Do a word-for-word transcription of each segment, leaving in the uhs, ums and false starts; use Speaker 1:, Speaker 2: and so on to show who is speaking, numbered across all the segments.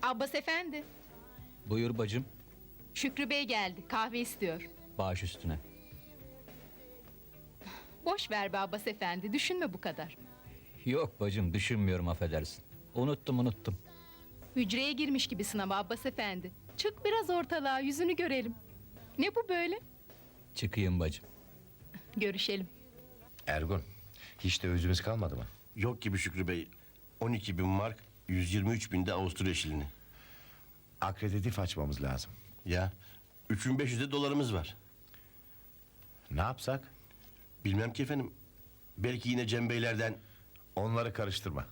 Speaker 1: Abbas efendi,
Speaker 2: Buyur bacım,
Speaker 1: Şükrü Bey geldi, kahve istiyor.
Speaker 2: baş üstüne.
Speaker 1: Boş ver be Abbas efendi, düşünme bu kadar.
Speaker 2: Yok bacım, düşünmüyorum, affedersin. Unuttum unuttum.
Speaker 1: Hücreye girmiş gibisin ama Abbas efendi. Çık biraz ortalığa, yüzünü görelim. Ne bu böyle?
Speaker 2: Çıkayım bacım.
Speaker 1: Görüşelim.
Speaker 3: Ergun, hiç de özümüz kalmadı mı?
Speaker 4: Yok gibi Şükrü Bey. on iki bin mark, yüz yirmi üç bin de Avusturya şilini.
Speaker 3: Akreditif açmamız lazım.
Speaker 4: Ya, üç bin beş yüz de dolarımız var.
Speaker 3: Ne yapsak?
Speaker 4: Bilmem ki efendim. Belki yine Cem Beylerden...
Speaker 3: Onları karıştırma.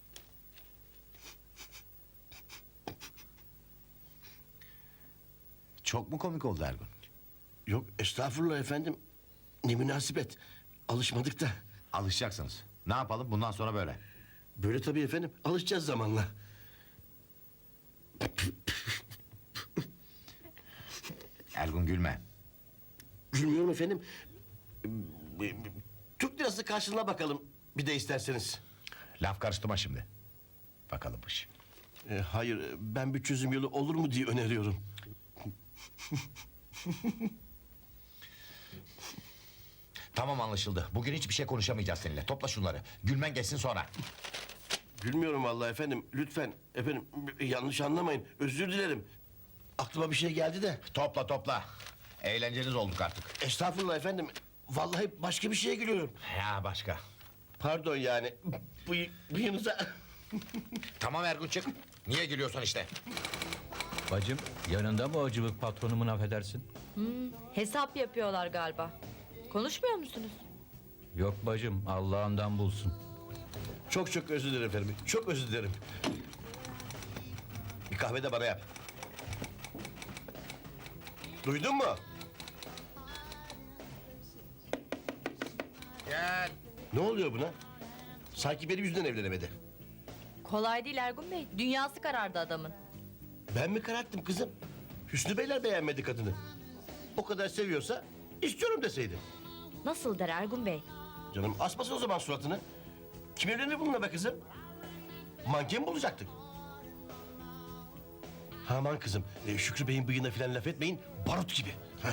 Speaker 3: Çok mu komik oldu Ergun?
Speaker 4: Yok estağfurullah efendim. Ne münasebet. Alışmadık da.
Speaker 3: Alışacaksınız. Ne yapalım bundan sonra böyle?
Speaker 4: Böyle tabii efendim. Alışacağız zamanla.
Speaker 3: Ergun gülme.
Speaker 4: Gülmüyorum efendim. Türk lirası karşılığına bakalım. Bir de isterseniz.
Speaker 3: Laf karıştırma şimdi. Bakalımmış.
Speaker 4: E, hayır, ben bir çözüm yolu olur mu diye öneriyorum.
Speaker 3: Tamam anlaşıldı. Bugün hiçbir şey konuşamayacağız seninle. Topla şunları. Gülmen geçsin sonra.
Speaker 4: Gülmüyorum vallahi efendim. Lütfen efendim yanlış anlamayın. Özür dilerim. Aklıma bir şey geldi de.
Speaker 3: Topla topla. Eğlenceniz olduk artık.
Speaker 4: Estağfurullah efendim. Vallahi başka bir şeye gülüyorum.
Speaker 3: Ya başka.
Speaker 4: Pardon yani. Bu bıyığınıza...
Speaker 3: Tamam Ergun çık. Niye gülüyorsun işte?
Speaker 2: Bacım, yanında mı o cıvık patronumun, affedersin?
Speaker 5: Hesap yapıyorlar galiba. Konuşmuyor musunuz?
Speaker 2: Yok bacım, Allah'ından bulsun.
Speaker 4: Çok çok özür dilerim efendim. Çok özür dilerim. Bir kahve de bana yap. Duydun mu?
Speaker 3: Gel.
Speaker 4: Ne oluyor buna? Sanki benim yüzümden evlenemedi.
Speaker 5: Kolay değil Ergun Bey. Dünyası karardı adamın.
Speaker 4: Ben mi kararttım kızım? Hüsnü Beyler beğenmedi kadını. O kadar seviyorsa istiyorum deseydi.
Speaker 5: Nasıl der Ergun Bey?
Speaker 4: Canım asmasın o zaman suratını. Kim evlenir bununla be kızım? Manken mi bulacaktık? Aman kızım, e, Şükrü Bey'in bıyığına falan laf etmeyin, barut gibi. Heh.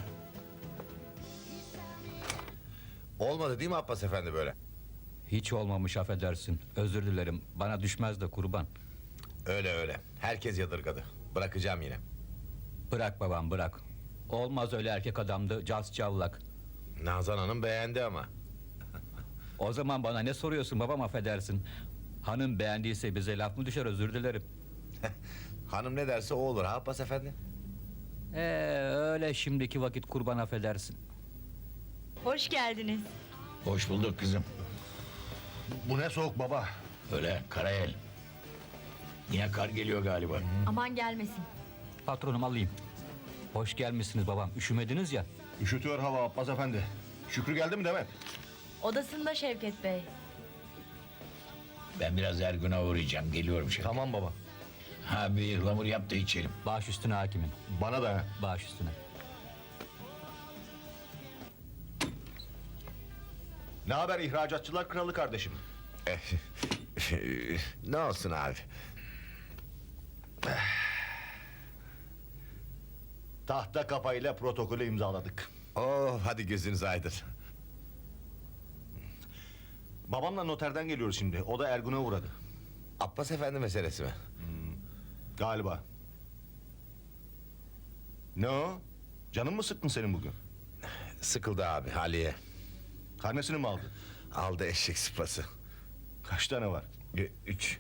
Speaker 3: Olmadı değil mi Abbas Efendi böyle?
Speaker 2: Hiç olmamış, affedersin. Özür dilerim, bana düşmez de kurban.
Speaker 3: Öyle öyle. Herkes yadırgadı. Bırakacağım yine.
Speaker 2: Bırak babam, bırak. Olmaz öyle erkek adamdı, cas cavlak.
Speaker 3: Nazan Hanım beğendi ama.
Speaker 2: O zaman bana ne soruyorsun babam, affedersin. Hanım beğendiyse bize laf mı düşer, özür dilerim.
Speaker 3: Hanım ne derse o olur ha Abbas Efendi.
Speaker 2: Ee, öyle şimdiki vakit kurban, affedersin.
Speaker 5: Hoş geldiniz.
Speaker 6: Hoş bulduk kızım.
Speaker 4: Bu ne soğuk baba?
Speaker 6: Öyle Karayel. Yine kar geliyor galiba.
Speaker 5: Aman gelmesin.
Speaker 2: Patronum alayım. Hoş gelmişsiniz babam, üşümediniz ya.
Speaker 4: Üşütüyor hava Abbas Efendi. Şükrü geldi mi Demet?
Speaker 5: Odasında Şevket Bey.
Speaker 6: Ben biraz Ergun'a uğrayacağım. Geliyorum şimdi.
Speaker 4: Tamam baba.
Speaker 6: Ha bir ıhlamur yap da içelim.
Speaker 2: Baş üstüne hakimim,
Speaker 4: Bana da.
Speaker 2: baş üstüne.
Speaker 4: Ne haber ihracatçılar kralı kardeşim?
Speaker 3: Ne olsun abi?
Speaker 4: Tahta kafayla protokolü imzaladık.
Speaker 3: Oh hadi gözünüz aydın.
Speaker 4: Babamla noterden geliyoruz şimdi. O da Ergun'a uğradı.
Speaker 3: Abbas Efendi meselesi mi?
Speaker 4: Galiba. Ne o? Canın mı sıkkın senin bugün?
Speaker 3: Sıkıldı abi Aliye.
Speaker 4: Karnesini mi aldın?
Speaker 3: Aldı eşek sıpası.
Speaker 4: Kaç tane var?
Speaker 3: Ü- Üç.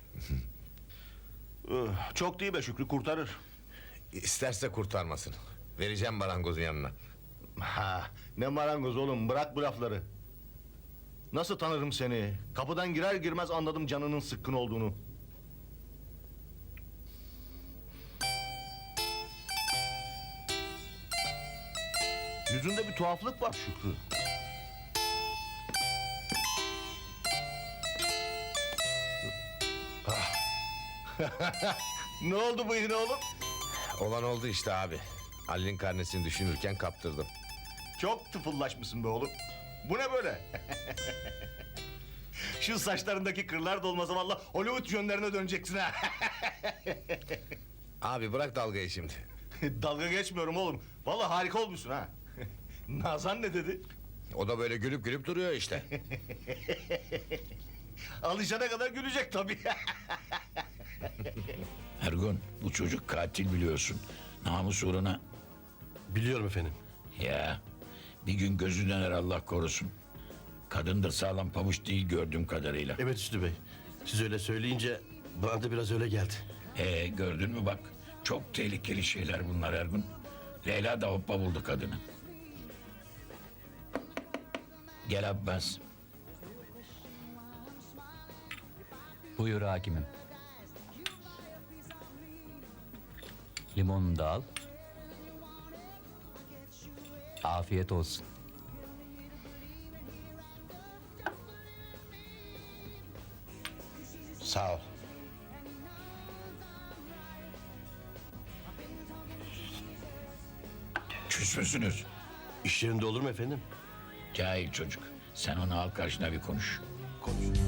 Speaker 4: Üh, Çok değil be Şükrü, kurtarır.
Speaker 3: İsterse kurtarmasın. Vereceğim marangozun yanına.
Speaker 4: Ha, ne marangoz oğlum, bırak bu lafları. Nasıl tanırım seni? Kapıdan girer girmez anladım canının sıkkın olduğunu. Yüzünde bir tuhaflık var Şükrü. Ah. Ne oldu bu yine oğlum?
Speaker 3: Olan oldu işte abi. Ali'nin karnesini düşünürken kaptırdım.
Speaker 4: Çok tıfıllaşmışsın be oğlum. Bu ne böyle? Şu saçlarındaki kırlar da olmasa vallahi Hollywood yönlerine döneceksin ha.
Speaker 7: Abi bırak dalgayı şimdi.
Speaker 4: Dalga geçmiyorum oğlum. Vallahi harika olmuşsun ha. Nazan ne dedi?
Speaker 7: O da böyle gülüp gülüp duruyor işte.
Speaker 4: Alışana kadar gülecek tabii.
Speaker 6: Ergun, bu çocuk katil biliyorsun. Namus uğruna.
Speaker 8: Biliyorum efendim.
Speaker 6: Ya, bir gün gözü döner Allah korusun. Kadın da sağlam pabuç değil gördüğüm kadarıyla.
Speaker 8: Evet Üstü Bey. Siz öyle söyleyince bana da biraz öyle geldi.
Speaker 6: Ee, gördün mü bak. Çok tehlikeli şeyler bunlar Ergun. Leyla da hoppa buldu kadını. Gel Abbas.
Speaker 2: Buyur hakimim. Limonunu da al. Afiyet olsun.
Speaker 3: Sağ ol.
Speaker 6: Küs müsünüz?
Speaker 8: İş yerinde olur mu efendim?
Speaker 6: Cahil çocuk. Sen onu al karşına bir konuş.
Speaker 8: Konuş.